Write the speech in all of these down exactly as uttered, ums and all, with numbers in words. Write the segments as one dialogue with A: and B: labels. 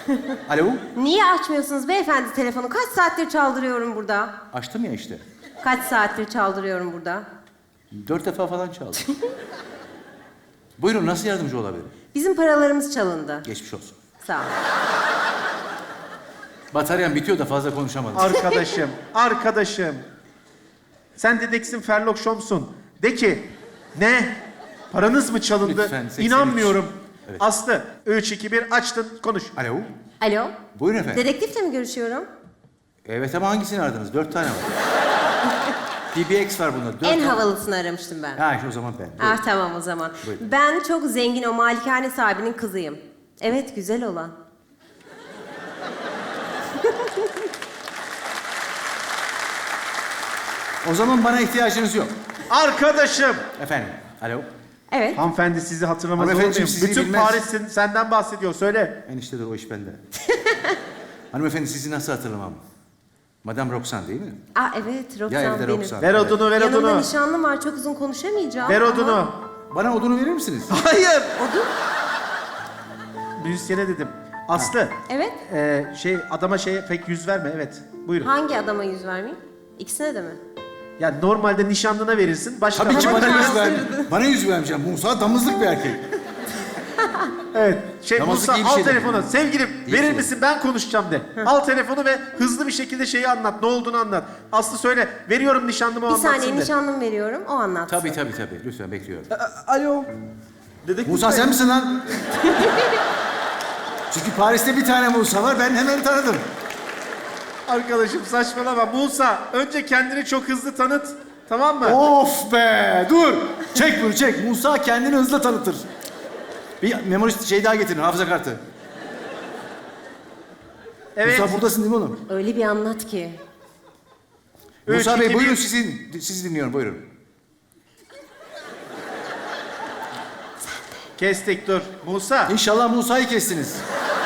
A: Alo?
B: Niye açmıyorsunuz beyefendi telefonu? Kaç saattir çaldırıyorum burada?
A: Açtım ya işte.
B: Kaç saattir çaldırıyorum burada?
A: Dört defa falan çaldım. Buyurun, nasıl yardımcı olabilirim?
B: Bizim paralarımız çalındı.
A: Geçmiş olsun.
B: Sağ ol.
A: Bataryam bitiyor da fazla konuşamadım.
C: Arkadaşım, arkadaşım. Sen dedektif Sherlock Holmes'un. De ki, ne? Paranız mı çalındı?
A: Lütfen, seksen üç.
C: İnanmıyorum.
A: Evet.
C: Aslı, üç, iki, bir açtın, konuş.
A: Alo?
B: Alo?
A: Buyurun efendim.
B: Dedektifle mi görüşüyorum?
A: Evet ama hangisini aradınız? Dört tane var. D B X var bunda. Dört
B: En
A: tane.
B: havalısını aramıştım ben.
A: Ha işte o zaman ben. Buyurun.
B: Ah tamam o zaman.
A: Buyurun.
B: Ben çok zengin o malikane sahibinin kızıyım. Evet güzel olan.
A: O zaman bana ihtiyacınız yok.
C: Arkadaşım.
A: Efendim, alo?
B: Evet.
C: Hanımefendi sizi hatırlamaz olur
A: Hanımefendiciğim,
C: muyum?
A: sizi
C: Bütün
A: bilmez.
C: Paris sen- senden bahsediyor, söyle.
A: Eniştedir o iş bende. Hanımefendi sizi nasıl hatırlamam? Madame Roxanne değil mi?
B: Aa evet
A: Ya
B: Roxanne
A: evde
B: benim.
A: Roxanne.
C: Ver odunu, ver
B: Yanımda
C: odunu.
B: nişanlım var çok uzun konuşamayacağım.
C: Ver
B: ama-
C: odunu.
A: Bana odunu verir misiniz?
C: Hayır.
B: Odun?
C: Müzisyene dedim. Aslı.
B: Evet.
C: Ee, şey adama şeye pek yüz verme, evet. Buyurun.
B: Hangi adama yüz vermeyeyim? İkisine de mi?
C: Ya normalde nişanlına verirsin, başka...
A: Tabii ki
B: Ama
A: bana yüz
B: kastırdı.
A: ver. Bana yüz vermeyeceğim. Musa damızlık bir erkek.
C: Evet. Şey
A: Namazlık
C: Musa
A: iyi bir
C: al
A: şey
C: telefonu.
A: değil.
C: Sevgilim
A: İyi
C: verir
A: şey.
C: misin, ben konuşacağım de. Al telefonu ve hızlı bir şekilde şeyi anlat. Ne olduğunu anlat. Aslı söyle. Veriyorum nişanlıma o
B: Bir
C: anlatsın
B: saniye
C: de.
B: nişanlım veriyorum o anlatsın.
A: Tabii tabii tabii. Lütfen bekliyorum.
C: Alo. Dedektif
A: Musa
C: Bey.
A: sen misin lan? Çünkü Paris'te bir tane Musa var. Ben hemen tanıdım.
C: Arkadaşım saçmalama. Musa önce kendini çok hızlı tanıt. Tamam mı?
A: Of be! Dur! Çek bunu çek. Musa kendini hızla tanıtır. Bir memorist şey daha getirin. Hafıza kartı.
C: Evet.
A: Musa buradasın değil mi oğlum?
B: Öyle bir anlat ki.
C: Üç,
A: Musa Bey
C: iki,
A: buyurun
C: bir.
A: sizin. Sizi dinliyorum buyurun.
C: Kestik dur. Musa.
A: İnşallah Musa'yı kestiniz.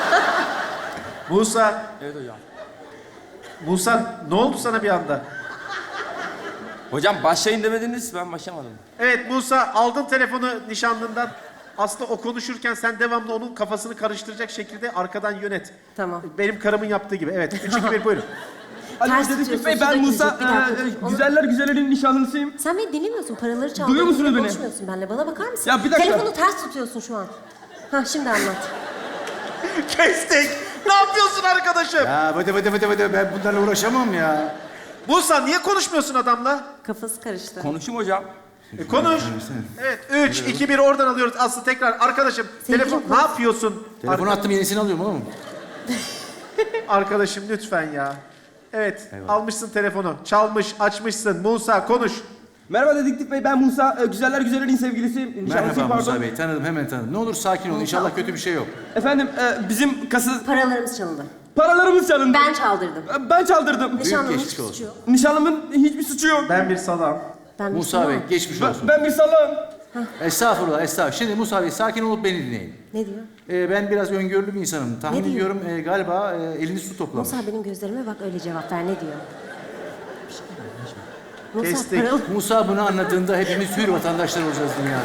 C: Musa.
D: Evet hocam.
C: Musa ne oldu sana bir anda?
D: Hocam başlayın demediniz, ben başlamadım.
C: Evet Musa, aldın telefonu nişanlından. Aslı o konuşurken sen devamlı onun kafasını karıştıracak şekilde arkadan yönet.
B: Tamam.
C: Benim karımın yaptığı gibi. Evet. Üç, iki, bir buyurun.
D: Alo
B: Ters
D: dedektif
B: tutuyorsun,
D: Bey,
B: suda
D: ben Musa.
B: gidecek. Bir dakika,
D: Ee,
B: dur. Onu-
D: güzeller güzellerin nişanlısıyım.
B: Sen beni dinlemiyorsun paraları çaldın.
D: Duyuyor musunuz beni?
B: Konuşmuyorsun benimle bana bakar mısın?
D: Ya bir dakika.
B: Telefonu ters tutuyorsun şu an. Ha şimdi anlat.
C: Kestik. Ne yapıyorsun arkadaşım?
A: Ya vıdı vıdı vıdı vıdı. Ben bunlarla uğraşamam ya.
C: Musa niye konuşmuyorsun adamla?
B: Kafası karıştı.
D: Konuşayım hocam.
C: E, konuş. Evet. Üç, iki, bir oradan alıyoruz. Aslı tekrar. Arkadaşım
B: Sevgilim,
C: telefon
B: konuş.
C: ne yapıyorsun?
A: Telefonu
C: Arka-
A: attım yenisini alıyorum oğlum.
C: Arkadaşım lütfen ya. Evet.
A: Eyvallah.
C: Almışsın telefonu. Çalmış, açmışsın. Musa konuş.
D: Merhaba dedektif Bey, ben Musa. Ee, güzeller güzellerin sevgilisiyim. Nişanlısıyım,
A: Merhaba
D: pardon.
A: Musa Bey. Tanıdım hemen tanıdım. Ne olur sakin olun. İnşallah kötü bir şey yok.
D: Efendim, e, bizim kasa...
B: Paralarımız çalındı.
D: Paralarımız çalındı.
B: Ben çaldırdım.
D: E, Ben çaldırdım.
B: Nişanlımın
A: geçmiş
B: hiçbir
A: olsun.
B: suçu yok.
D: Nişanlımın hiçbir suçu yok.
C: Ben bir salam.
B: Ben bir
A: Musa Bey
B: Müslümanım.
A: geçmiş
D: Ben,
A: olsun.
D: ben bir salağım.
A: Estağfurullah estağfurullah. Şimdi Musa Bey sakin olup beni dinleyin.
B: Ne diyor?
A: Ee, ben biraz öngörülü bir insanım. Tahmin
B: Ne diyor?
A: ediyorum e, galiba e, elini su toplamış.
B: Musa benim gözlerime bak öyle cevap ver ne diyor? Musa
C: Kestik.
B: paralı.
A: Musa bunu anladığında hepimiz hür vatandaşlar olacağız dünyada.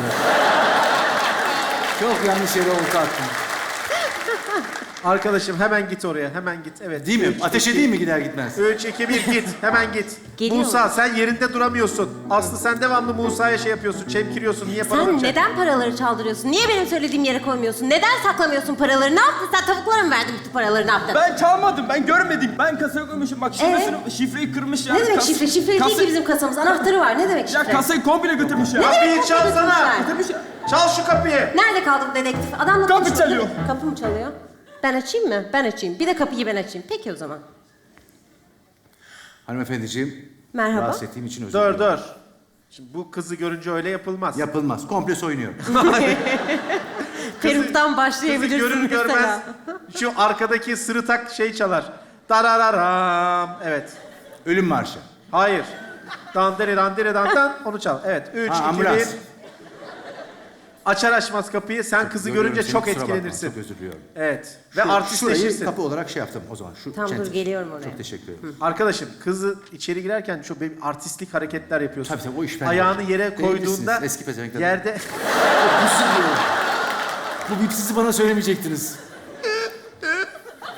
A: Çok yanlış yere olta attım.
C: Arkadaşım hemen git oraya. Hemen git. Evet.
A: Değil mi?
C: Üç,
A: Ateş
C: iki,
A: edeyim mi gider gitmez?
C: Üç, iki, bir git. Hemen git.
B: Geliyor.
C: Musa sen yerinde duramıyorsun. Aslı sen devamlı Musa'ya şey yapıyorsun. Çemkiriyorsun. Niye para
B: Sen
C: alacak?
B: neden paraları çaldırıyorsun? Niye benim söylediğim yere koymuyorsun? Neden saklamıyorsun paraları? Ne yaptın sen? Tavuklara mı verdin bütün paraları? Ne yaptın?
D: Ben çalmadım, ben görmedim. Ben kasaya koymuşum. Bak şifresini, şifreyi kırmış ya.
B: Ne demek
D: Kas-
B: şifre? Şifre değil
D: kasa-
B: ki bizim kasamız. Anahtarı var. Ne demek
D: Ya
B: şifre?
D: kasayı komple götürmüş ya.
B: Ne demek
C: Kapıyı
B: kapıyı
C: çalsana.
B: götürmüşler?
D: Götürmüş ya.
C: Çal şu kapıyı.
B: Nerede kaldı bu dedektif? Adamla
D: Kapı
B: konuşmak-
D: çalıyor.
B: Kapı mı çalıyor? Ben açayım mı? Ben açayım. Bir de kapıyı ben açayım. Peki o zaman.
A: Hanımefendiciğim.
B: Merhaba.
A: Rahatsız ettiğim için özür
C: Dur
A: dilerim.
C: dur. Şimdi bu kızı görünce öyle yapılmaz.
A: Yapılmaz. Komple soyunuyor.
B: Peruktan
C: Kızı
B: başlayabilirsin
C: görür
B: mesela.
C: görmez şu arkadaki sırıtak şey çalar. Darararam. Evet.
A: Ölüm marşı.
C: Hayır. Dandere dandere dandan onu çal. Evet. Üç,
A: Ha,
C: iki,
A: ambulans.
C: bir. Açar açmaz kapıyı. Sen kızı
A: Görüyorum
C: görünce
A: seni,
C: çok
A: kusura bakma,
C: etkilenirsin.
A: Çok özür diliyorum.
C: Evet. Ve
A: Şu-
C: artistleşirsin.
A: Şurayı kapı olarak şey yaptım o zaman. Şu
B: Tamam, dur,
A: çentik.
B: geliyorum oraya.
A: Çok teşekkür ederim.
C: Arkadaşım kızı içeri girerken çok bir artistlik hareketler yapıyorsun.
A: Tabii tabii, o iş bende.
C: Ayağını yere
A: Beğenirsiniz,
C: koyduğunda
A: eski pezevenkler.
C: yerde
A: Bu bipsizi bana söylemeyecektiniz.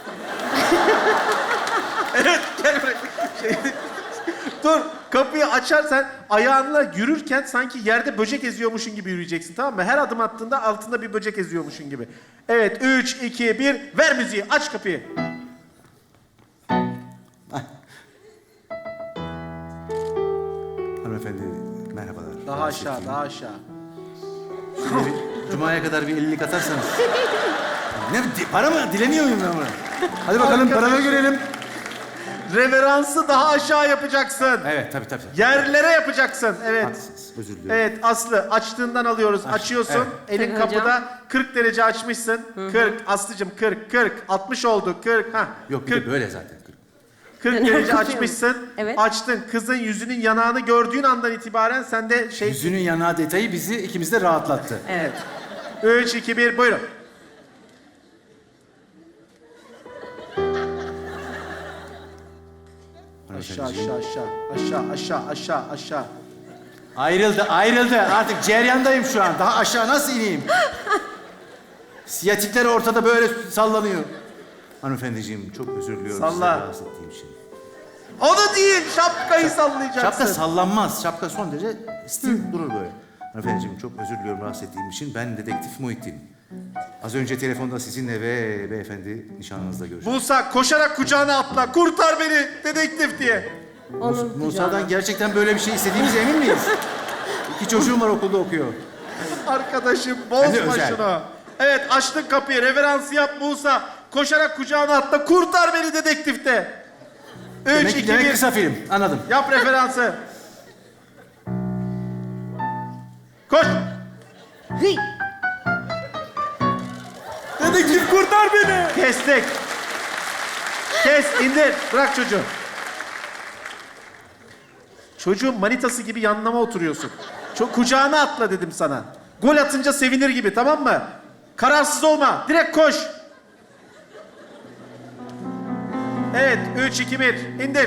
C: Dur, kapıyı açarsan ayağınla yürürken sanki yerde böcek eziyormuşun gibi yürüyeceksin, tamam mı? Her adım attığında altında bir böcek eziyormuşun gibi. Evet, üç, iki, bir, ver müziği, aç kapıyı.
A: Hanımefendi merhabalar.
C: Daha aşağı, daha aşağı.
A: Şöyle bir Cuma'ya kadar bir ellilik atarsanız. Ne di- para mı? Dilemiyor muyum ben bunu? Hadi bakalım
C: Arkadaş.
A: paramı görelim.
C: Reveransı daha aşağı yapacaksın.
A: Evet tabii tabii.
C: Yerlere yapacaksın, evet.
A: Haklısınız, özür diliyorum.
C: Evet, Aslı, açtığından alıyoruz. Açıyorsun,
A: evet.
C: elin
B: Tabii hocam.
C: kapıda kırk derece açmışsın. kırk, Aslı'cım kırk, kırk, altmış oldu, kırk. Ha,
A: Yok bir
C: kırk,
A: de böyle zaten.
C: kırk
B: Ben
C: derece
B: korkuyorum.
C: açmışsın.
B: Evet.
C: Açtın, kızın yüzünün yanağını gördüğün andan itibaren sende şey...
A: Yüzünün yanağı detayı bizi ikimiz de rahatlattı.
B: Evet.
C: Üç, iki, bir, buyurun. Aşağı, aşağı, aşağı, aşağı, aşağı, aşağı, aşağı.
A: Ayrıldı, ayrıldı. Artık ceryandayım şu an. Daha aşağı nasıl ineyim? Siyatikler ortada böyle sallanıyor. Hanımefendiciğim çok özür diliyorum
C: Salla.
A: size rahatsız ettiğim için.
C: Onu değil, şapkayı sallayacaksın.
A: Şapka sallanmaz. Şapka son derece stil durur böyle. Hanımefendiciğim çok özür diliyorum rahatsız ettiğim için. Ben dedektif Muhittin. Az önce telefonda sizinle ve beyefendi nişanlınızla görüştüm.
C: Musa koşarak kucağına atla, kurtar beni dedektif diye.
B: Onun
A: Musa'dan gerçekten böyle bir şey istediğimize emin miyiz? İki çocuğum var okulda okuyor.
C: Arkadaşım
A: Ben de
C: bozma
A: özel.
C: şunu. Evet, açtın kapıyı, reveransı yap Musa. Koşarak kucağına atla, kurtar beni dedektifte. Üç,
A: Demek,
C: iki,
A: demek
C: bir.
A: kısa film. Anladım.
C: Yap referansı. Koş.
B: Hıy!
C: Dedektif kurtar beni. Kestik. Kes, indir. Bırak çocuğu. Çocuğun manitası gibi yanlama oturuyorsun. Çok kucağına atla dedim sana. Gol atınca sevinir gibi, tamam mı? Kararsız olma. Direkt koş. Evet, üç, iki, bir. İndir.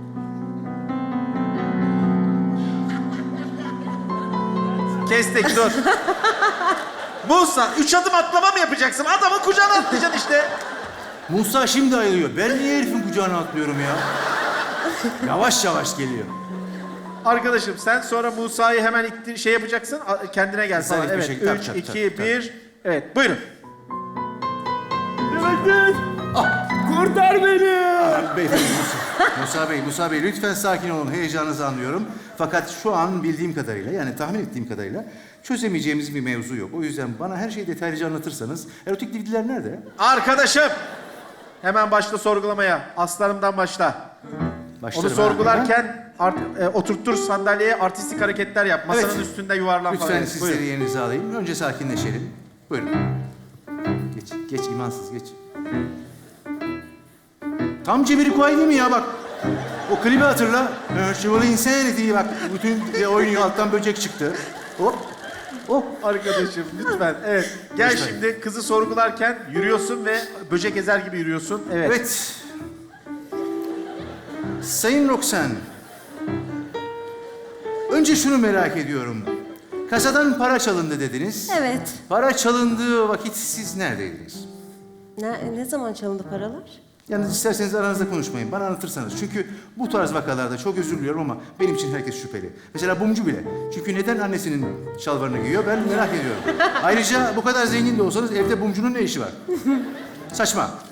C: Kestik, dur. Musa, üç adım atlama mı yapacaksın? Adamın kucağına atlayacaksın işte.
A: Musa şimdi ayılıyor. Ben niye herifin kucağına atlıyorum ya? Yavaş yavaş geliyor.
C: Arkadaşım sen sonra Musa'yı hemen ittir, şey yapacaksın, a- kendine gel
A: Güzel
C: falan.
A: bir
C: Evet,
A: şey. Tabii,
C: üç,
A: tabii,
C: iki,
A: tabii, tabii.
C: bir. Evet, buyurun.
D: Dedektif. Kurtar beni.
A: Beyefendi Musa. Musa Bey, Musa Bey lütfen sakin olun. Heyecanınızı anlıyorum. Fakat şu an bildiğim kadarıyla, yani tahmin ettiğim kadarıyla çözemeyeceğimiz bir mevzu yok. O yüzden bana her şeyi detaylıca anlatırsanız. Erotik D V D'ler nerede?
C: Arkadaşım, hemen başla sorgulamaya. Aslanımdan başla.
A: Başlarım
C: Onu
A: ha.
C: sorgularken art, e, oturttur sandalyeye, artistik hareketler yap. Masanın
A: Evet.
C: üstünde yuvarlan falan.
A: Lütfen
C: Evet,
A: sizleri
C: buyurun.
A: yerinize alayım. Önce sakinleşelim. Buyurun. Geç, geç imansız geç. Tam Cemil Kuay değil mi ya bak? O klibi hatırla. Virtual Insanity bak. Bütün oyun alttan böcek çıktı. Hop. Hop.
C: Arkadaşım lütfen. Evet. Gel
A: Lütfen.
C: şimdi kızı sorgularken yürüyorsun ve böcek ezer gibi yürüyorsun. Evet.
A: Evet. Sayın Roxanne. Önce şunu merak ediyorum. Kasadan para çalındı dediniz.
B: Evet.
A: Para çalındığı vakit siz neredeydiniz?
B: Ne, ne zaman çalındı paralar?
A: Yalnız isterseniz aranızda konuşmayın. Bana anlatırsanız. Çünkü bu tarz vakalarda çok özür diliyorum ama benim için herkes şüpheli. Mesela Bumcu bile. Çünkü neden annesinin şalvarını giyiyor ben merak ediyorum. Ayrıca bu kadar zengin de olsanız evde Bumcu'nun ne işi var? Saçma.